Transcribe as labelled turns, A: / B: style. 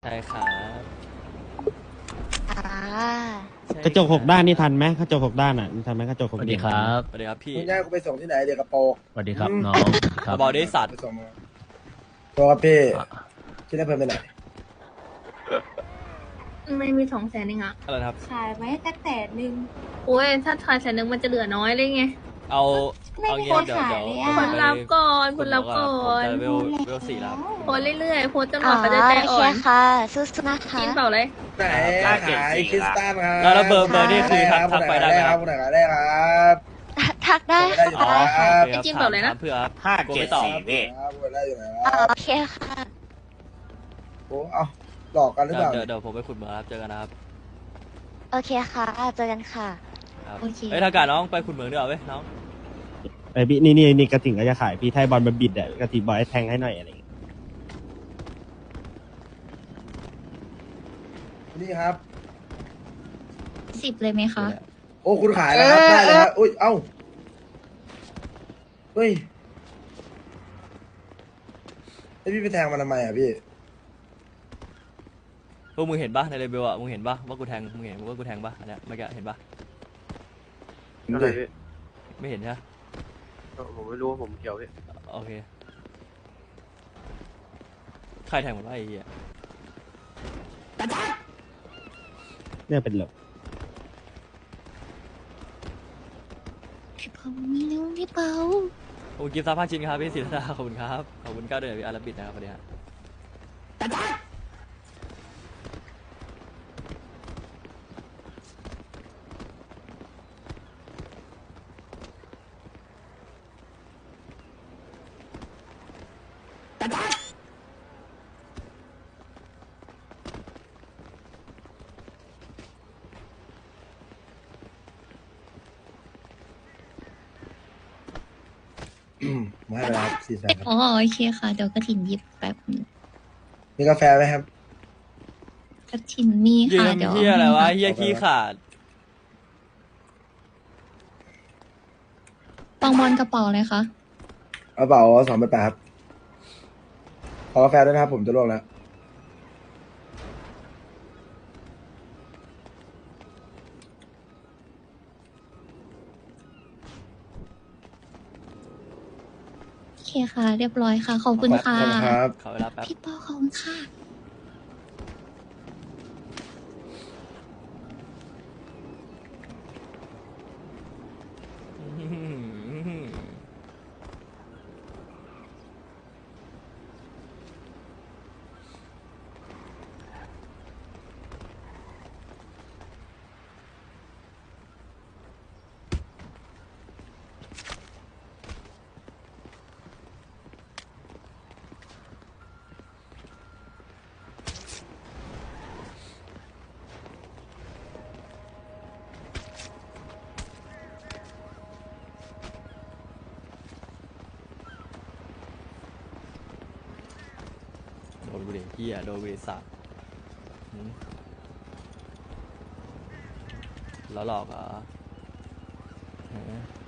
A: ใช่ครับ
B: อ่า
A: ใช่
C: กระจกหกด้านนี่ทันไหมกระจกหกด้านอ่ะทันไหมกระจกห
D: ส
C: ก
D: วัส
C: เหลี่
D: ดี
C: ยม
D: ค
C: ทัน
D: รั
C: ไหม
D: บ
A: สวัสดีครับพี่
E: มึงย่ากูไปส่งที่ไหนเด็กกระโปรง
D: สวัสดีครับ
E: อืม
D: น้องครับ
A: เบาๆได้สัตว์
E: ไปส่งมาตัวครับพี่ที่ได้เพิ่มไปไหน
F: ไม่มี200,000เองอะ
A: อะไรนะครับ
B: ขายไว้แต่100,000
F: โอ้ยถ้าทาย100,000มันจะเหลือน้อยเลยไง
A: เอา
B: ไม่
A: เอา
B: มี
A: งี้
B: ใคร
A: เดี๋ยว
B: ขาย
A: เดี๋ยว
B: เลย
A: ผม
B: อะ
F: คนรับก่อนคนรับก่อ
A: ผม
F: น
A: จะเวล4แล้วครับ
F: โพสเรื่อยๆโพสจนก
B: อ๋อ
F: ว่าเขาจะใจ
B: โอ
F: อ่
B: เค
F: อน
B: ค่ะสู้ๆนะคะ
F: กินเปล่าเลย
E: ไหนขายคริสตัลครับ
A: แล้วเบอร์นี่คือทักไปได้ไหมครับ
E: คนไหนขายได้ครับ
B: ทักได้
E: ได้
B: ค่ะ
E: อยู่
B: ได้ค่ะ
E: ครับ
A: โอเคครับ
F: ไอ้จิ้มเปล่าเลยนะ
A: ถมเพื่อครับ
G: 5
A: กลัวไม่ตอบ
G: 7 4พี่
E: ครับคนได้อยู่ไหนค
B: อ๋อ
E: รับ
B: โอเคค่ะ
E: โอ้เอาหลอกกันหรือเปล่า
A: เดี๋ยวผมไปขุดเหมืองครับเจอกันนะครับ
B: โอเคค่ะเจอกันค่ะ
A: ครับ
B: โอเค
A: เฮ้ยถ้าการน้องไปขุดเหมืองดีกว่าเว้ยน้อง
C: ไอ้พี่นี่กระถิ่งก็จะขายพี่ไทยบอลมาบิดอ่ะกระถิ่งบอยให้แทงให้หน่อยอะไรอย่างเงี้ย
E: นี่ครับ
F: 10เลยไหมคะ
E: โอ้คุณขายแล้วครับได้เลยครับอุ้ยเอ้าเฮ้ยไอพี่ไปแทงมันทำไมอ่ะพี่
A: พวกมึงเห็นปะในเรเบลอ่ะมึงเห็นปะว่ากูแทงมึงเห็นว่ากูแทงปะอันเนี้ยเมื่อกี้เห็นปะ
H: อะไรพี่
A: ไม่เห็นใช่ไหม
H: ผมไม่รู้ว่าผมเกี่ยวพี่
A: โอเคใครแทงผมวะไอ้เหี้ย
C: เนี่ยเป็นหลบ
B: พี่เปามีเร็วพี่เปา
A: ขอบคุณกิฟต์ซับ5 ชิ้นครับพี่ศิลดาขอบคุณครับขอบคุณ9 เดือนพี่อาราบิดนะครับสวัสดีฮะ
E: มาให้ไปแล้ว400,000ครับ
F: อ๋อโอเคค่ะเดี๋ยวกระถินหยิบแป๊บนึง
E: มีกาแฟไหมครับ
F: กระถินมี
A: ยื
F: ค่ะ
A: ม
F: เดี๋ยว
A: เหี้ยอะไรวะ
F: เอาให้
A: เหี้ยขี้ขาด
F: ปองบอลกระเป๋าเลยคะ
E: กระเป๋า2,800ครับขอกาแฟด้วยนะครับผมจะลวกแล้ว
F: โอเคค่ะ เรียบร้อยค่ะขอบคุณค่ะ
E: ขอบคุณครับ
A: ขอเวลาแป๊บ
F: พี่เปาขอบคุณค่ะ โดนกูดิเหี้ยโดนกูดิสัตว์หืมแล้วหลอกเหรอฮะ